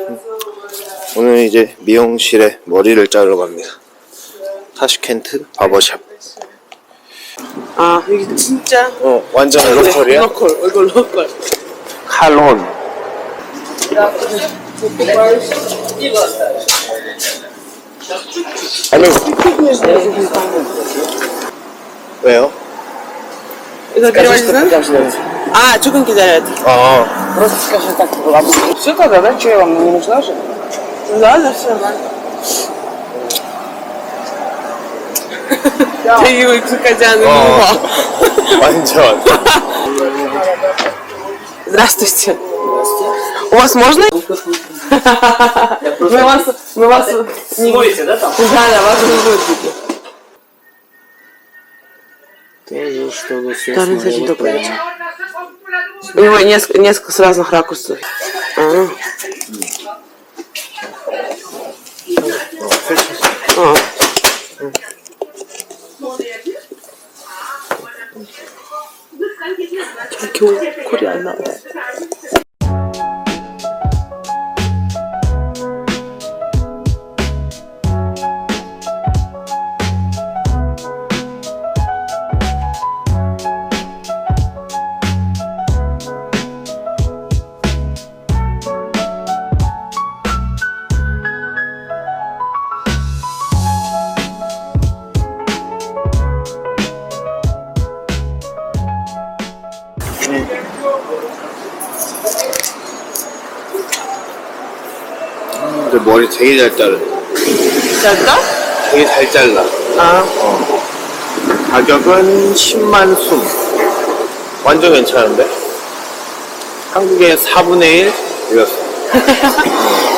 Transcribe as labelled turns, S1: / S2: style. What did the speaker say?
S1: 오늘 이제 미용실에 머리를 자르러 갑니다. 타슈켄트 바버샵.
S2: 아 여기 진짜
S1: 완전 로컬이야?
S2: 로컬 얼굴 로컬.
S1: 칼론. 아니 왜요?
S2: 이거 переводится? А, 조금 기다려야 돼.
S3: Просто скажи так, все тогда, да? Что я вам не нужна же?
S2: Да, все нормально. Ты его экзекутян
S1: 완전.
S2: Здравствуйте. У вас можно? Мы вас не
S3: Будете, да, там?
S2: Да, вас не будет видно.
S3: Тоже что-то все
S2: Даже, кстати, добрый вечер. У него несколько с разных ракурсов. 저렇게 콜이 안 나와.
S1: 근데 머리 되게 잘 자르네.
S2: 잘까?
S1: 되게 잘 잘라. 가격은 10만 숨. 완전 괜찮은데? 한국의 4분의 1 이었어.